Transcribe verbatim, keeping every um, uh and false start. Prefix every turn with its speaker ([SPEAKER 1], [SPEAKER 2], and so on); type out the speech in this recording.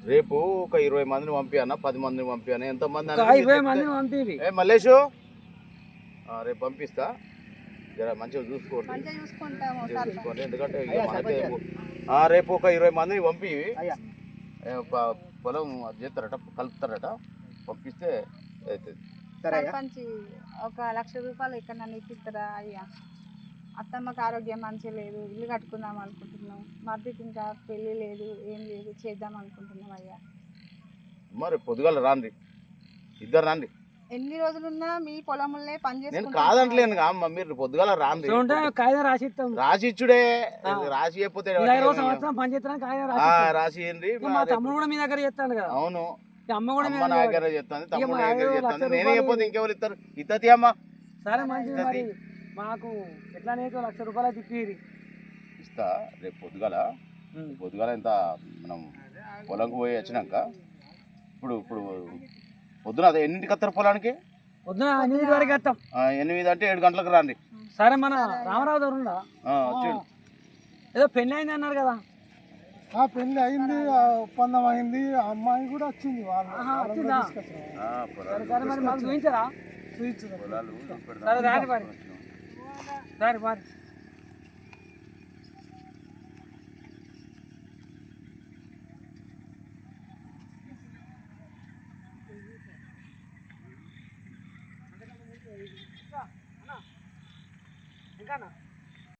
[SPEAKER 1] రేపు ఒక ఇరవై మందిని పంపియన్నా పది మందిని పంపియన్నా ఎంతమంది
[SPEAKER 2] ఇరవై మందిని పంపి
[SPEAKER 1] ఏ మల్లేషు రేపు పంపిస్తా జర మంచిగా చూసుకోండి చూసుకోండి ఎందుకంటే మనకే రేపు ఒక ఇరవై మందిని పంపి పొలం చేస్తారట కలుపుతారట పంపిస్తే అవుతుంది.
[SPEAKER 3] సర్పంచ్ ఒక లక్ష రూపాయలు ఇక్కడ నన్ను ఇప్పిస్తారా అయ్యా? అత్తమ్మకి ఆరోగ్యం మంచిగా లేదు, ఇల్లు కట్టుకుందాం అనుకుంటున్నాం, మర్దికి ఇంకా పెళ్ళి లేదు, ఏం లేదు, చేద్దాం అనుకుంటున్నాం అయ్యా.
[SPEAKER 1] మరి పొద్దుగాల రాండి, ఇద్దరు రండి.
[SPEAKER 3] ఎన్ని రోజులున్నా మీ పొలంలో పని
[SPEAKER 1] నేను
[SPEAKER 3] చేసుకుంటాం.
[SPEAKER 1] కాదంటలేను అమ్మ, మీరు పొద్దుగాల రాండి.
[SPEAKER 2] కాగితం రాసి ఇస్తాం.
[SPEAKER 1] రాసి ఇచ్చుడే, రాసి చెప్పితే రాసి
[SPEAKER 2] మా తమ్ముడు కూడా మీ దగ్గర చేస్తాను కదా.
[SPEAKER 1] అవును,
[SPEAKER 2] అమ్మ కూడా
[SPEAKER 1] అమ్మ నా దగ్గర చేస్తాను, తమ్ముడు నా దగ్గర చేస్తాను. నేనే చెప్పొద్దు ఇంకెవరు ఇస్తారు? ఇత్తతి అమ్మ.
[SPEAKER 2] సరే మంచిది, మరి మాకు ఎట్లా నీకు లక్ష రూపాయలు తిప్పి
[SPEAKER 1] ఇస్తా రేపు పొద్దుగాల. పొద్దుగాల ఎంత మనం పొలంకి పోయి వచ్చినాక ఇప్పుడు ఇప్పుడు పొద్దున అదే ఎన్నింటికి వస్తారు పొలానికి?
[SPEAKER 2] పొద్దున ఎనిమిది వరకు వస్తాం.
[SPEAKER 1] ఎనిమిది అంటే ఏడు గంటలకు రండి.
[SPEAKER 2] సరే, మన రామరావు గారు ఉందా? ఏదో పెళ్ళి అయింది అన్నారు కదా.
[SPEAKER 4] పెళ్లి అయింది, ఒప్పందం అయింది, అమ్మాయి కూడా వచ్చింది.
[SPEAKER 2] సరే మరి మాకు చూపించారా?
[SPEAKER 1] పొలాలు
[SPEAKER 2] సరే రాని మరి, సరే మరి.